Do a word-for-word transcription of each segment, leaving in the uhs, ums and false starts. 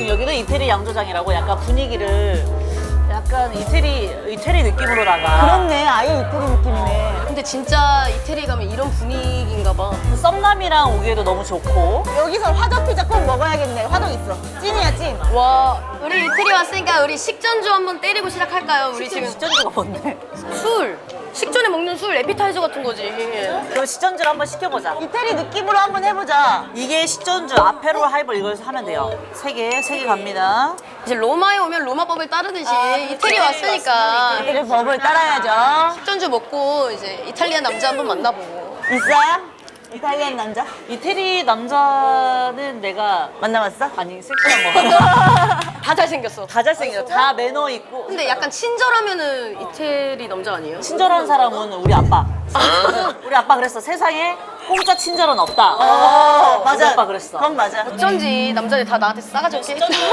여기는 이태리 양조장이라고 약간 분위기를 약간 이태리 이태리 느낌으로다가. 그렇네. 아예 이태리 느낌이네. 근데 진짜 이태리 가면 이런 분위기인가 봐. 썸남이랑 오기에도 너무 좋고. 여기서 화덕 피자 꼭 먹어야겠네. 화덕 있어. 찐이야 찐. 와, 우리 이태리 왔으니까 우리 식전주 한번 때리고 시작할까요? 우리 지금 식전주가 뭔데? 술! 식전에 먹는 술, 에피타이저 같은 거지. 그럼 식전주를 한번 시켜보자. 이태리 느낌으로 한번 해보자. 이게 식전주 아페롤 하이볼 이걸 하면 돼요. 세 개, 세 개 갑니다. 이제 로마에 오면 로마법을 따르듯이 이태리 왔으니까 이태리 법을 따라야죠. 식전주 먹고 이제 이탈리아 남자 한번 만나보고. 있어요? 이탈리안 남자? 이태리 남자는 내가 만나봤어? 아니 섹시한 거. 다 잘생겼어. 다 잘생겨. 다 매너 있고. 근데 약간 친절하면은 이태리 남자 아니에요? 친절한 사람은 우리 아빠. 우리 아빠 그랬어. 세상에 공짜 친절은 없다. 어, 우리 아빠 그랬어. 그건 맞아. 어쩐지 남자들 다 나한테 싸가지 없게.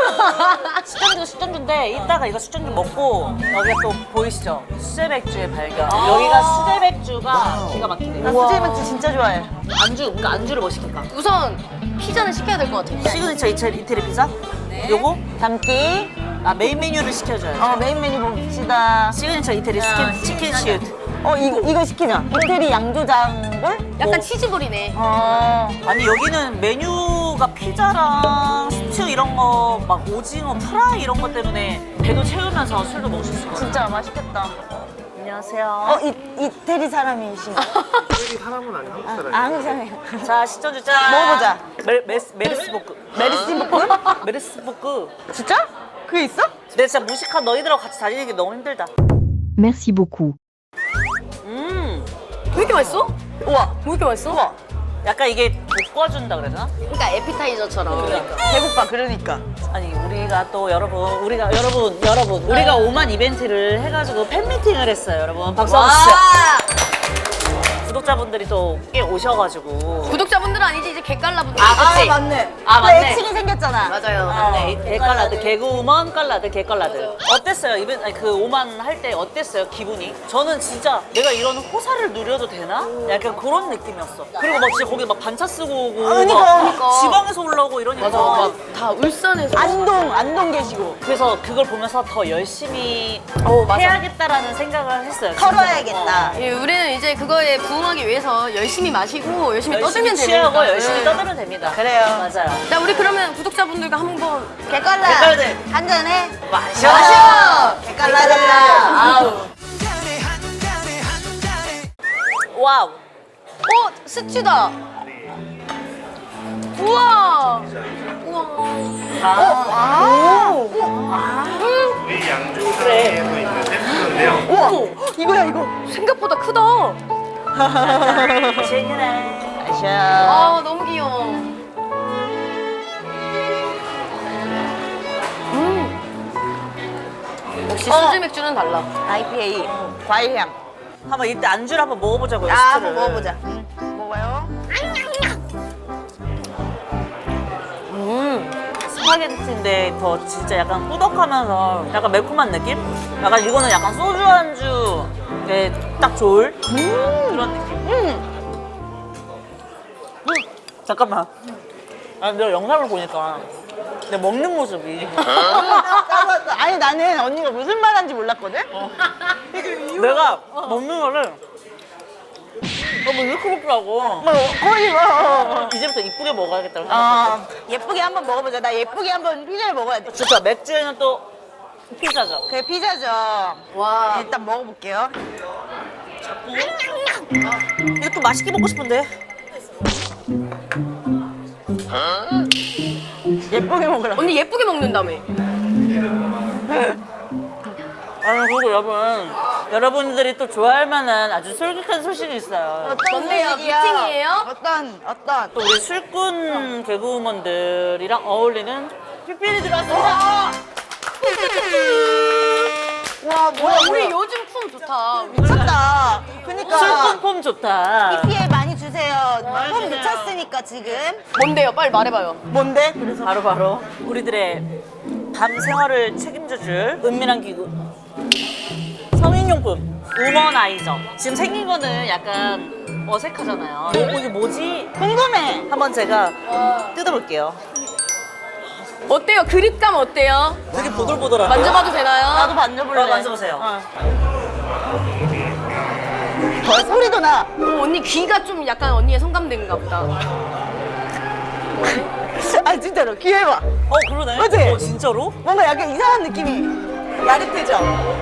식전주 식전주인데 이따가 이거 식전주 먹고 여기가 또 보이시죠? 수제맥주의 발견. 여기가 수제맥주가 기가 막히대요. 나 수제 맥주 진짜 좋아해. 안주, 그러니까 안주를 뭐 시킬까? 우선 피자는 시켜야 될 것 같아. 시그니처 이태리, 이태리 피자? 요거? 담기. 아 메인 메뉴를 시켜줘야지. 어 메인 메뉴 봅시다. 시그니처 이태리 스킨, 치킨 슈트. 어 이거 이거 시키자. 이태리 양조장볼? 약간 뭐. 치즈볼이네. 어. 아니 여기는 메뉴가 피자랑 스튜 이런 거 막 오징어 프라이 이런 것 때문에 배도 채우면서 술도 먹을 수 있을 것 같아요. 진짜 맛있겠다. 안녕하세요. 어 이, 이태리 사람이신가? 이태리 사람은 아니고 한국 사람이에요. 아 한국 사람이에요. 자 식전주 짠. 먹어보자. 메, 메스, 메르스보크. 메리스티볶음? 메르스보크. 진짜? 그게 있어? 근데 진짜 무식한 너희들하고 같이 다니는 게 너무 힘들다. Merci beaucoup. 음. 왜 이렇게 맛있어? 우와. 왜 이렇게 맛있어? 우와. 약간 이게 볶아준다 그래야 되나? 그러니까 에피타이저처럼. 배고파 그러니까. 아니 우리가 또 여러분 우리가 여러분 여러분 우리가 오만 이벤트를 해가지고 팬미팅을 했어요 여러분. 박수 한번 주세요. 구독자분들이 또 꽤 오셔가지고. 구독자분들은 아니지 이제 개깔라분들. 아, 그치? 맞네. 아, 또 맞네. 애칭이 생겼잖아. 맞아요. 네, 개깔라드, 개그우먼 깔라드, 개깔라드. 어땠어요? 이벤트, 아니, 그 오만 할 때 어땠어요? 기분이? 저는 진짜 내가 이런 호사를 누려도 되나? 약간 그런 느낌이었어. 그리고 막 진짜 거기 막 반차 쓰고 오고, 그러니까. 막 그러니까. 지방에서 올라오고 이러니까. 맞아. 막 다 울산에서. 안동 안동 계시고. 그래서 그걸 보면서 더 열심히 어, 맞아. 해야겠다라는 생각을 했어요. 진짜. 털어야겠다. 예, 우리는 이제 그거에 부응하기 위해서 열심히 마시고 열심히, 열심히 떠들면 취하고 되니까. 열심히 네. 떠들면 됩니다. 그래요. 맞아요. 자, 우리 그러면 구독자분들과 한번 개깔라. 개깔들. 한 잔해. 마셔! 마셔! 개깔라들. 아우. 와우. 어, 스튜다. 우와. 우와. 아. 오. 우리 양조장에도 있는 세트인데요. 우와. 이거야 이거. 생각보다 크다. 재미네. 아샤. 아, 너무 귀여워. 음. 역시 수제 맥주는 달라. 아이피에이 과일 향. 한번 이때 안주를 한번 먹어보자고요. 아, 스트를. 한번 먹어보자. 응. 먹어요. 음. 스파게티인데 더 진짜 약간 꾸덕하면서 약간 매콤한 느낌? 약간 이거는 약간 소주 안주에 딱 좋을 그런 느낌. 음. 잠깐만. 아, 내가 영상을 보니까 내 먹는 모습이 까먹었어. 아니 나는 언니가 무슨 말 하는지 몰랐거든? 내가 먹는 거를 너무 이렇게 먹더라고. 뭐 거의 뭐. 이제부터 이쁘게 먹어야겠다. 아 예쁘게 한번 먹어보자. 나 예쁘게 한번 피자를 먹어야 돼. 진짜 맥주에는 또 피자죠. 그게 피자죠. 와. 일단 먹어볼게요. 이거 또 맛있게 먹고 싶은데. 예쁘게 먹으라. 언니 예쁘게 먹는다며. 아니 그리고 여러분 여러분들이 또 좋아할 만한 아주 솔깃한 소식이 있어요. 뭔데요? 소식이야? 미팅이에요? 어떤 어떤. 또 우리 술꾼 개그우먼들이랑 어울리는 피피리 들어왔습니다. 와 뭐야 우리 우리 요즘 품 좋다. 미쳤다. 그니까 술꾼 폼 좋다. 피피에 많이 주세요. 폼 주세요. 미쳤으니까 지금. 뭔데요? 빨리 말해봐요. 뭔데? 그래서 바로 바로 우리들의 밤 생활을 책임져줄 은밀한 기구 성인용품 우먼아이저. 지금 생긴 거는 약간 어색하잖아요. 어, 이게 뭐지? 궁금해. 한번 제가 뜯어볼게요. 어때요? 그립감 어때요? 되게 보들보들하고. 만져봐도 되나요? 나도 만져볼래. 어, 만져보세요. 어. 더 소리도 나. 어, 언니 귀가 좀 약간 언니의 성감대인가 보다. 아 진짜로 귀 해봐. 어 그러네. 그치? 어 진짜로? 뭔가 약간 이상한 느낌이 야릇해져.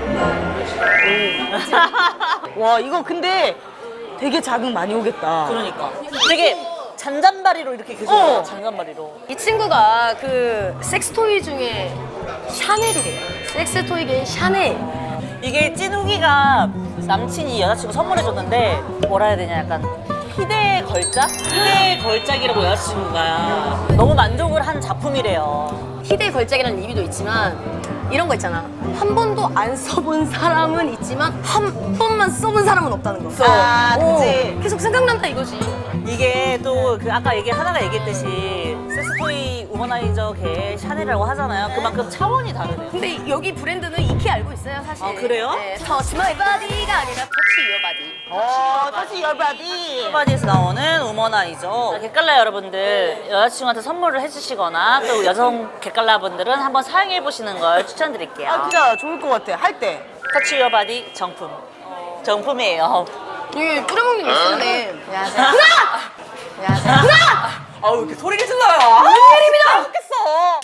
와 이거 근데 되게 자극 많이 오겠다. 그러니까. 되게 잔잔바리로 이렇게 계속. 어. 잔잔바리로. 이 친구가 그 섹스토이 중에 샤넬이래요. 섹스토이계의 샤넬. 이게 찐우기가 남친이 여자친구 선물해줬는데 뭐라 해야 되냐 약간 희대의 걸작? 희대의 걸작이라고 여자친구가 너무 만족을 한 작품이래요. 희대의 걸작이라는 의미도 있지만 이런 거 있잖아. 한 번도 안 써본 사람은 있지만 한 번만 써본 사람은 없다는 거. 아, 그치. 어, 계속 생각난다 이거지. 이게 또 그 아까 얘기 하나가 얘기했듯이 섹스토이 우머나이저계 샤넬이라고 하잖아요. 그만큼 차원이 다르네요. 근데 여기 브랜드는 익히 알고 있어요 사실. 아, 그래요? 네, Touch my body가 아니라 Touch your body. 어, 다시 열바디. 바디에서 나오는 우머나이저 객갈라 여러분들 여자친구한테 선물을 해주시거나 또 여성 객갈라 분들은 한번 사용해보시는 걸 추천드릴게요. 아, 진짜 좋을 것 같아. 할 때. 터치 유어 바디 정품. 정품이에요. 이게 뿌려먹는 게 있었네. 안녕하세요. 안녕하세요. 아우, 이렇게 소리를 질러요. 예림이다. 좋겠어.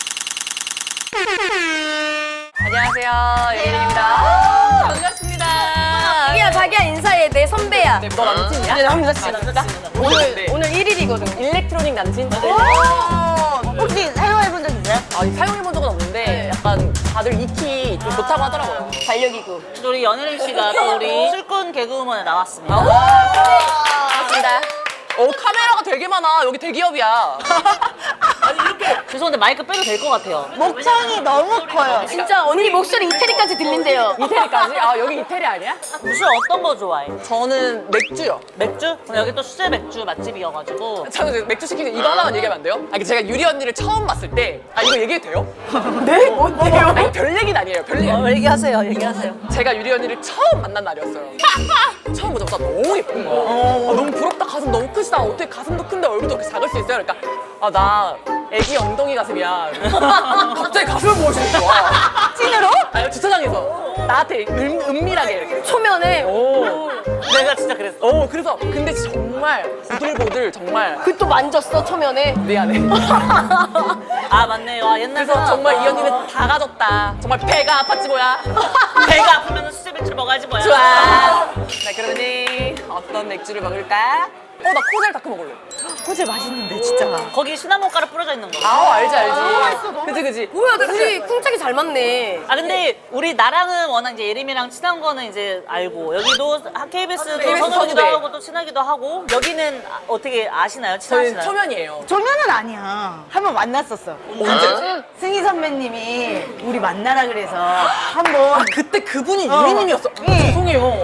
안녕하세요. 예림입니다. 반갑습니다. 자기야 자기야 인사해. 내 선배야. 너 남친이야? 네, 남자친구다. 오늘 오늘 일 일이거든. 일렉트로닉 남친? 오! 혹시 사용해본 적 있어요? 아, 사용해본 적은 없는데 약간 다들 익히 좀 좋다고 하더라고요. 달력이고. 우리 연예림 씨가 또 우리 술꾼 개그우먼에 나왔습니다. 반갑습니다. 어, 카메라가 되게 많아. 여기 대기업이야. 아니, 이렇게. 죄송한데 마이크 빼도 될 것 같아요. 목청이 너무 커요. 진짜 언니 목소리 이태리까지 들린대요. 이태리까지? 아, 여기 이태리 아니야? 술 어떤 거 좋아해? 저는 맥주요. 맥주? 여기 또 수제 맥주 맛집이어가지고 저는 이제 맥주 시키는 이거 하나만 얘기하면 안 돼요? 아, 제가 유리 언니를 처음 봤을 때, 아, 이거 얘기해도 돼요? 네? 뭔데요? 아니, 별 얘기는 아니에요. 별 얘기. 어, 얘기하세요 얘기하세요. 제가 유리 언니를 처음 만난 날이었어요. 처음 보자마자 너무 예쁜 거야. 아, 너무 부럽다. 가슴 너무 크시다. 어떻게 가슴도 큰데 얼굴도 그렇게 작을 수 있어요? 그러니까 아, 나 애기 엉덩이 가슴이야. 갑자기 가슴을 보여주는 거야. 찐으로? 아니, 주차장에서. 나한테 은, 은밀하게 이렇게. 초면에 오. 내가 진짜 그랬어. 오, 그래서 근데 정말 보들보들 정말 그 또 만졌어 초면에. 미안해. 아 맞네. 와 옛날 그래서 정말 이 언니는 다 가졌다. 정말 배가 아팠지 뭐야. 배가 아프면 수제 맥주 먹어야지 뭐야. 좋아. 나 그러니 어떤 맥주를 먹을까? 어, 나 코젤 다크 먹을래. 코젤 맛있는데, 진짜. 거기 시나몬 가루 뿌려져 있는 거. 아, 알지 알지. 그지 그지. 뭐야 둘이 쿵짝이 잘 맞네. 아 근데 우리 나랑은 워낙 이제 예림이랑 친한 거는 이제 알고 여기도 케이비에스도 케이비에스 선후기도 선후배. 하고 또 친하기도 하고 여기는 아, 어떻게 아시나요? 저희 친하시나요? 초면이에요. 조면은 아니야. 한 번 만났었어. 언제? 승희 선배님이 우리 만나라 그래서 한번 그때 그분이 어. 유리님이었어. 예. 죄송해요.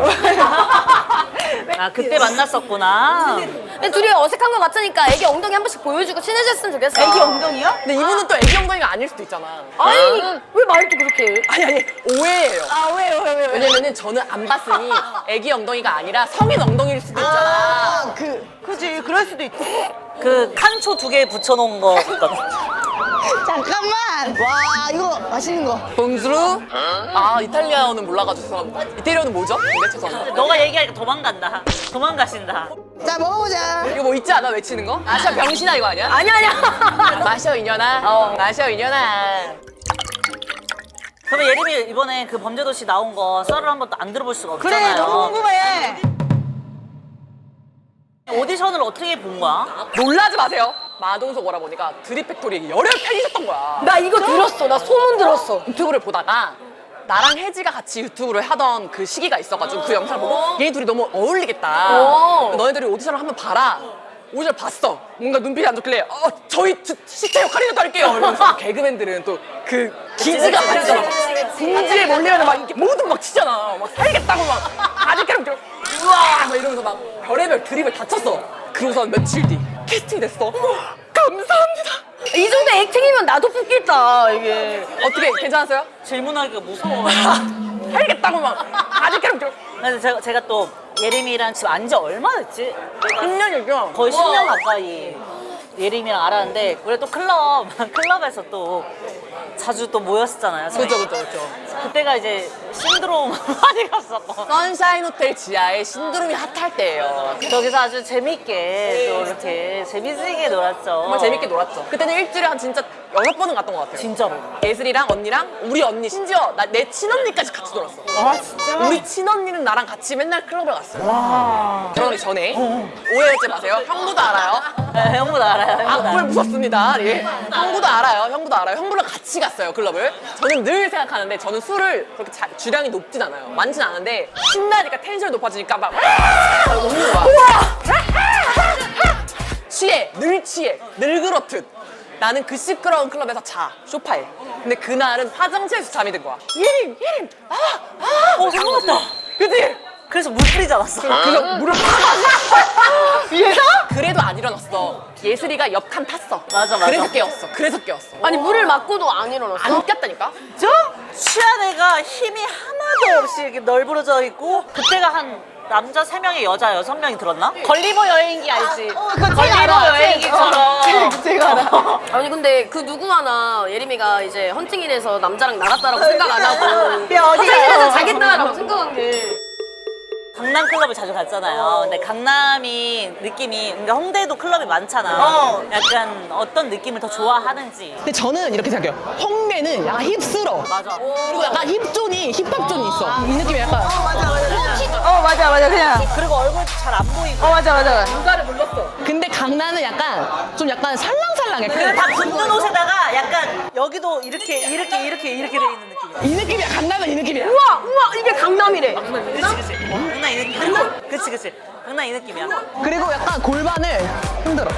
아 그때 만났었구나. 근데 둘이 어색한 거 같으니까 애기 엉덩이 한 번씩 보여주고 친해졌으면 좋겠어. 애기 엉덩이요? 근데 이분은 또 애기 엉덩이가 아닐 수도 있잖아. 아니 왜 말도 그렇게 해? 아니 아니 오해예요. 아, 왜요, 왜요, 왜요? 왜냐면은 저는 안 봤으니 애기 엉덩이가 아니라 성인 엉덩이일 수도 있잖아. 아, 그, 그지. 그럴 수도 있지. 그 칸초 두 개 붙여놓은 거 있거든. 잠깐만. 와, 이거 맛있는 거. 봉주루? 아, 이탈리아어는 몰라가지고 이태리어는 뭐죠? 근데 죄송합니다. 너가 얘기하니까 도망간다. 도망가신다. 자, 먹어보자. 이거 뭐 있지 않아? 외치는 거? 마셔 병신아 이거 아니야? 아니야 아니야. 마셔 이년아. 어. 마셔 이년아. 그러면 예림이 이번에 그 범죄도시 나온 거 썰을 한번 또 안 들어볼 수가 그래, 없잖아요. 너무 궁금해. 오디션을 어떻게 본 거야? 놀라지 마세요. 마동석 오라버니가 드립팩토리 열혈 팬이셨던 거야. 나 이거 들었어. 나 소문 들었어. 유튜브를 보다가 나랑 혜지가 같이 유튜브를 하던 그 시기가 있어가지고 그 영상을 보고 얘네 둘이 너무 어울리겠다. 오. 너네들이 오디션을 한번 봐라. 오디션 봤어. 뭔가 눈빛이 안 좋길래 어 저희 주- 시체 역할이라도 할게요. 이러면서 개그맨들은 또 그 기지가 다르잖아. 궁지에 몰리면 막 이렇게 모두 막 치잖아. 막 살겠다고 막 아직까지 막 우와 막 이러면서 막 별의별 드립을 다 쳤어. 그러고선 며칠 뒤 캐스팅이 됐어. 감사합니다. 이 정도 액팅이면 나도 뽑겠다 이게. 어떻게 괜찮았어요? 질문하기가 무서워. 살겠다고 막 아직까지 막 근데 제가, 제가 또 예림이랑 지금 안지 얼마 됐지? 십 년이죠. 거의 십 년 가까이. 예림이랑 알았는데 우리 또 클럽 클럽에서 또 자주 또 모였었잖아요. 저희. 그죠, 그죠, 그죠. 그때가 이제 신드롬 많이 갔었고 선샤인 호텔 지하에 신드롬이 핫할 때예요. 저기서 아주 재밌게 또 이렇게 재밌게 놀았죠. 정말 재밌게 놀았죠. 그때는 일주일에 한 진짜 여섯 번은 갔던 것 같아요. 진짜로. 예슬이랑 언니랑 우리 언니 심지어 나, 내 친언니까지 같이 놀았어. 아 진짜? 우리 친언니는 나랑 같이 맨날 클럽을 갔어요. 결혼하기 전에 오해하지 마세요. 형부도 알아요. 네, 형부도 알아요. 형부도 악플 알아요. 무섭습니다. 예. 형부도 알아요. 형부도 알아요. 형부랑 같이 갔어요 클럽을. 저는 늘 생각하는데 저는 술을 그렇게 자, 주량이 높진 않아요. 많진 않은데 신나니까 텐션이 높아지니까 막 웃는 거야. 취해, 늘 취해, 늘 그렇듯. 나는 그 시끄러운 클럽에서 자, 소파에. 근데 그날은 화장실에서 잠이 든 거야. 예림, 예림, 아, 아. 어, 생각났다. 그치? 그래서 물 뿌리지 않았어. 그래서 물을 위에서? 그래도 안 일어났어. 예슬이가 옆 칸 탔어. 맞아, 맞아. 그래서 깨웠어. 그래서 깨웠어. 아니 물을 맞고도 안 일어났어? 안 깼다니까? 저 취한 애가 힘이 하나도 없이 이렇게 널브러져 있고 그때가 한 남자 세 명에 여자 여섯 명이 들었나? 걸리버 여행기 알지? 그거 걸리버 알아. 여행기처럼. 제가 알아. 아니 근데 그 누구 하나 예림이가 이제 헌팅일에서 남자랑 나갔다라고 생각 안 하고 야, 어디 화장실에서 가요? 자겠다라고 생각한 게 강남 클럽을 자주 갔잖아요. 근데 강남이 느낌이, 그러니까 홍대에도 클럽이 많잖아. 어. 약간 어떤 느낌을 더 좋아하는지. 근데 저는 이렇게 생각해요. 홍대는 약간 힙스러. 맞아. 그리고 약간 힙존이, 힙합존이 있어. 이 느낌이 약간. 어 맞아 맞아 그냥. 그리고 얼굴 잘 안 보이고. 어 맞아 맞아. 누가를 불렀어. 근데 강남은 약간 좀 약간 살랑살랑해. 그리고 다 붙는 옷에다가 약간 여기도 이렇게 이렇게 이렇게 이렇게 돼 있는 느낌이야. 이 느낌이야. 강남은 이 느낌이야. 우와 우와 이게 강남이래. 그치 그치. 강남 이 느낌. 그치 그치. 강남 이 느낌이야. 그리고 약간 골반을 흔들어.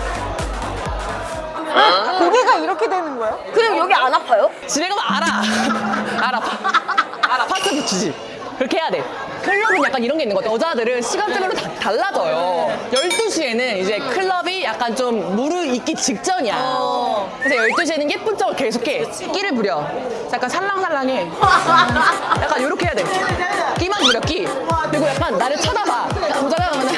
고개가 이렇게 되는 거야? 그리고 여기 안 아파요? 집에 가면 알아. 알아. 파- 알아. 파스 붙이지. 그렇게 해야 돼. 클럽은 약간 이런 게 있는 것 같아. 여자들은 시간대별로 다 달라져요. 열두 시에는 이제 클럽이 약간 좀 무르익기 직전이야. 그래서 열두 시에는 예쁜 척을 계속해. 끼를 부려. 약간 살랑살랑해. 약간 이렇게 해야 돼. 끼만 부려, 끼. 그리고 약간 나를 쳐다봐. 모자라 그러면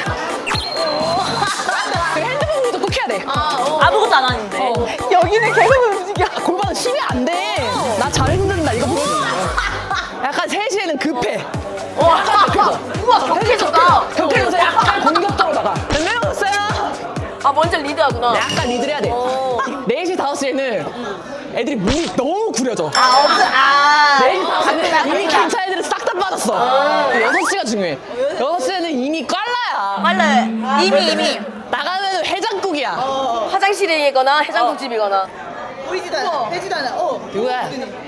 핸드폰부터 꼭 해야 돼. 아무것도 안 하는데. 여기는 계속 움직여. 골반은 쉬면 안 돼. 나 잘 흔든다. 이거 보여줘. 약간 세 시에는 급해. 약간 격해져. 우와 격해졌다. 격해져서 약간 공격적으로 나가. 몇 명 왔어요? 아 먼저 리드하구나. 약간 리드를 해야 돼. 네 시, 다섯 시에는 애들이 몸이 너무 구려져. 아 없어. 아. 네 시, 다섯 시에는 이미 괜찮은 애들은 싹 다 빠졌어. 여섯 시가 중요해. 여섯 시에는 이미 꽐라야. 빨래. 이미 이미. 나가면 해장국이야. 화장실이거나 해장국집이거나. 보이지도 않아. 되지도 않아. 어. 누구야?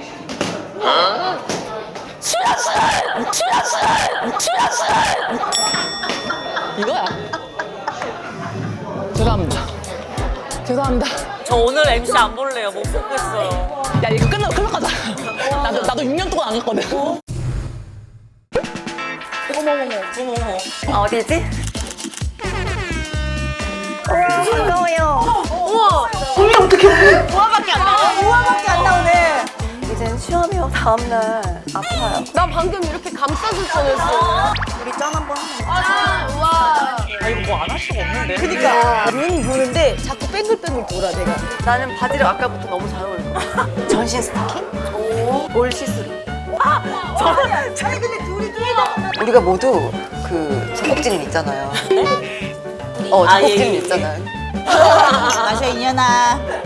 추야스! 추야스! 추야스! 이거야. 죄송합니다. 죄송합니다. 저 오늘 엠씨 안 볼래요. 못 보겠어요. 야 이거 끝나고 클럽 가자. 나도 나도 육 년 동안 안 갔거든. 어머머머. 아 어디지? 반가워요. 우와. 우아밖에 안 나와. 우아밖에 안 나오네. 이젠 시험이요. 다음날 아파요. 나 방금 이렇게 감싸줄 뻔했어. 우리 짠 한번 하면 아 우와. 아 이거 뭐 안 할 수가 없는데. 그러니까 눈 보는데 자꾸 뺑글뺑글 돌아 내가. 나는 바지를 아까부터 너무 잘 어울려. 전신 스타킹? 올 시스루. 아니 근데 둘이 둘다. 우리가 모두 그 작곡진 있잖아요. 어, 아, 예, 작곡진 예, 예. 있잖아요. 마셔 이년아.